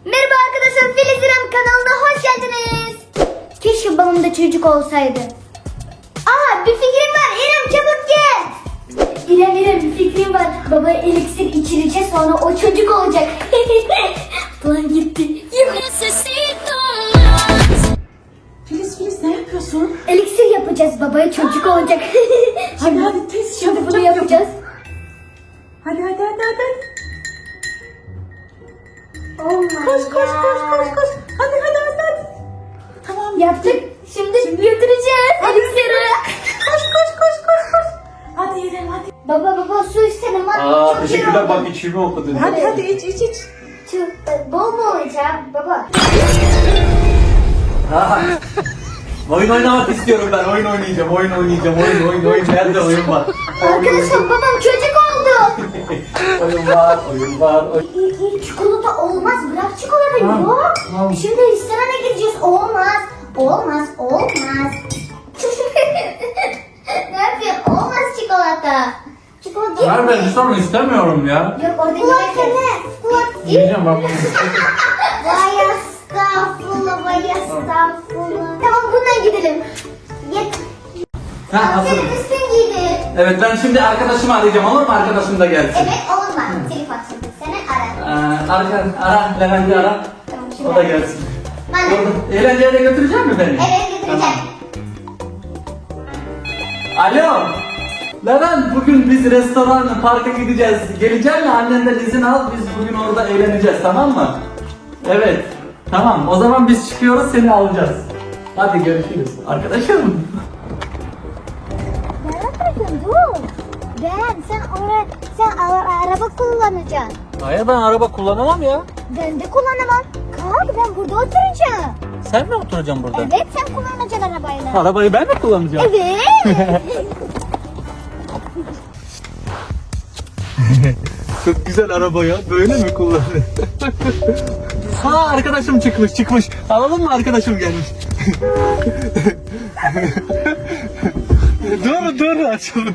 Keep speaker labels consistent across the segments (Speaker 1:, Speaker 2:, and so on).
Speaker 1: Merhaba arkadaşlar, Filiz İrem kanalına hoş geldiniz. Keşke babamda çocuk olsaydı. Aa, bir fikrim var. İrem çabuk gel. İrem bir fikrim var. Baba eliksir içireceğiz, sonra o çocuk olacak. Plan gitti.
Speaker 2: Filiz ne yapıyorsun?
Speaker 1: Eliksir yapacağız, babaya çocuk olacak.
Speaker 2: Hadi tez
Speaker 1: Şimdi
Speaker 2: çabuk
Speaker 1: bunu yapacağız.
Speaker 2: Hadi.
Speaker 1: Oh my
Speaker 2: Koş.
Speaker 1: God.
Speaker 2: Hadi. Tamam
Speaker 1: Yaptık. Şimdi götüreceğiz eliksiri.
Speaker 2: Koş. Hadi İrem hadi.
Speaker 1: Baba su istedim. Çok
Speaker 3: Teşekkürler,
Speaker 1: iyi
Speaker 3: bak
Speaker 1: oldu.
Speaker 3: içimi okudun.
Speaker 2: Hadi iç.
Speaker 1: Bol mu olacak baba?
Speaker 3: Oyun oynamak istiyorum ben. Oyun oynayacağım. Oyun. Nerede oyun var?
Speaker 1: Arkadaşlar babam çocuk oldu.
Speaker 3: Oyun var.
Speaker 1: Çikolata olmaz, bırak çikolata yok.
Speaker 3: Tamam.
Speaker 1: Şimdi restorana gideceğiz, olmaz. Ne yapıyorsun? Olmaz çikolata. Çikolata değil.
Speaker 3: Ben restoran istemiyorum ya.
Speaker 1: Yok orada yemek.
Speaker 3: Yiyeceğim ben bunu.
Speaker 1: Vay estağfurullah. Tamam bundan gidelim. Git.
Speaker 3: Hazır.
Speaker 1: Senin üstün giydir.
Speaker 3: Evet, ben şimdi arkadaşımı arayacağım, olur mu? Arkadaşım da gelsin.
Speaker 1: Evet olmaz. Telefon şimdi. Seni ara.
Speaker 3: Ara, Levent'i ara.
Speaker 1: Tamam, şimdi
Speaker 3: O da
Speaker 1: ara.
Speaker 3: gelsin.
Speaker 1: Bana.
Speaker 3: Eğlenceye de götürecek mi beni?
Speaker 1: Evet götüreceğim.
Speaker 3: Alo. Levent, bugün biz restorana, parka gideceğiz. Gelecek mi? Annenden izin al, biz bugün orada eğleneceğiz, tamam mı? Evet. Tamam, o zaman biz çıkıyoruz, seni alacağız. Hadi görüşürüz. Arkadaşım.
Speaker 1: Bakın dur. Sen araba kullanacaksın.
Speaker 3: Hayır, ben araba kullanamam ya.
Speaker 1: Ben de kullanamam. Kalk ben burada oturacağım.
Speaker 3: Sen mi oturacaksın burada?
Speaker 1: Evet sen kullanacaksın arabayla.
Speaker 3: Arabayı ben mi kullanacağım?
Speaker 1: Evet.
Speaker 3: Çok güzel araba ya. Böyle mi kullanıyor? Ha, arkadaşım çıkmış. Alalım mı, arkadaşım gelmiş. Dur açalım.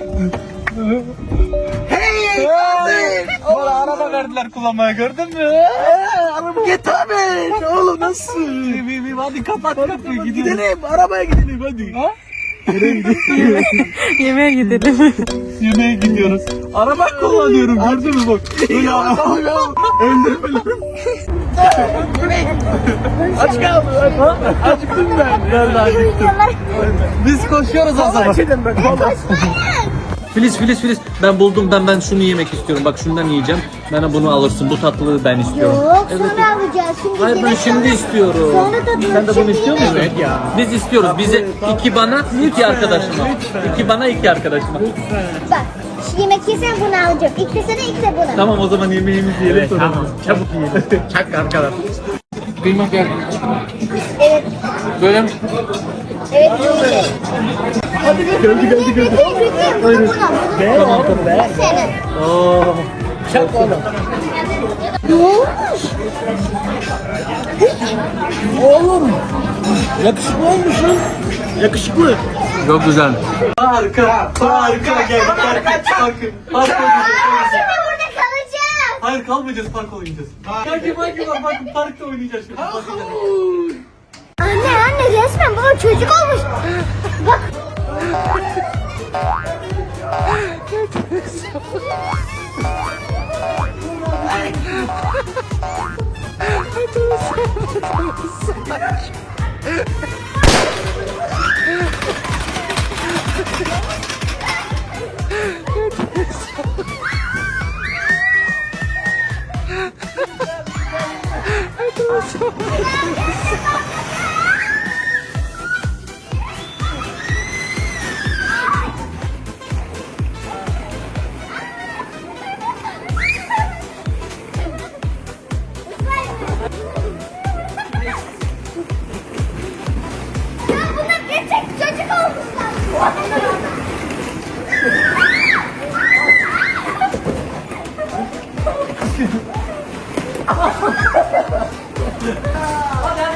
Speaker 3: Hey! Bana araba verdiler kullanmaya, gördün mü? Araba git abi. Oğlum nasıl? Hadi kapat kapıyı, gidelim. Arabaya gidelim hadi. Ha? Nereye gidiyoruz?
Speaker 2: Yemeğe gidelim.
Speaker 3: Yemeğe gidiyoruz. Araba kullanıyorum, gördün mü bak. Ya öldürmedim. Aç kaldım. Acıktım ben. Ben de acıktım. Biz koşuyoruz o zaman. Filiz, ben buldum, ben şunu yemek istiyorum. Bak şundan yiyeceğim. Bana bunu alırsın. Bu tatlılığı ben istiyorum.
Speaker 1: Yok sonra alacağız. Şimdi
Speaker 3: Hayır, ben
Speaker 1: yemek
Speaker 3: şimdi
Speaker 1: sonra-
Speaker 3: istiyorum.
Speaker 1: Sonra tadını
Speaker 3: Sen de bunu
Speaker 1: şimdi
Speaker 3: istiyor musun?
Speaker 1: yemek.
Speaker 3: Evet ya. Biz istiyoruz. Bize iki bana, iki arkadaşıma. İki bana, iki arkadaşıma.
Speaker 1: Bak şu yemek yesen bunu alacağım. İlk de sana ilk de buna.
Speaker 3: Tamam, o zaman yemeğimizi yiyelim sonra. Tamam. Çabuk yiyelim. Çak arkadaş. Kıyma gel.
Speaker 1: Evet.
Speaker 3: Böyle mi?
Speaker 1: Evet. Geldi. Buyurun.
Speaker 3: Tamam.
Speaker 1: Senin.
Speaker 3: Oo. Çak oğlum.
Speaker 1: Ne olmuş?
Speaker 3: Oğlum. Yakışıklı olmuşsun. Yakışıklı. Çok güzel. Parka gel. Parka.
Speaker 1: Şimdi burada kalacağız.
Speaker 3: Hayır, kalmayacağız, park oynayacağız. Parkta oynayacağız şimdi.
Speaker 1: Anne resmen baba çocuk olmuş. Bak. Ya bunlar gerçek çocuk olmuşlar.
Speaker 3: Hadi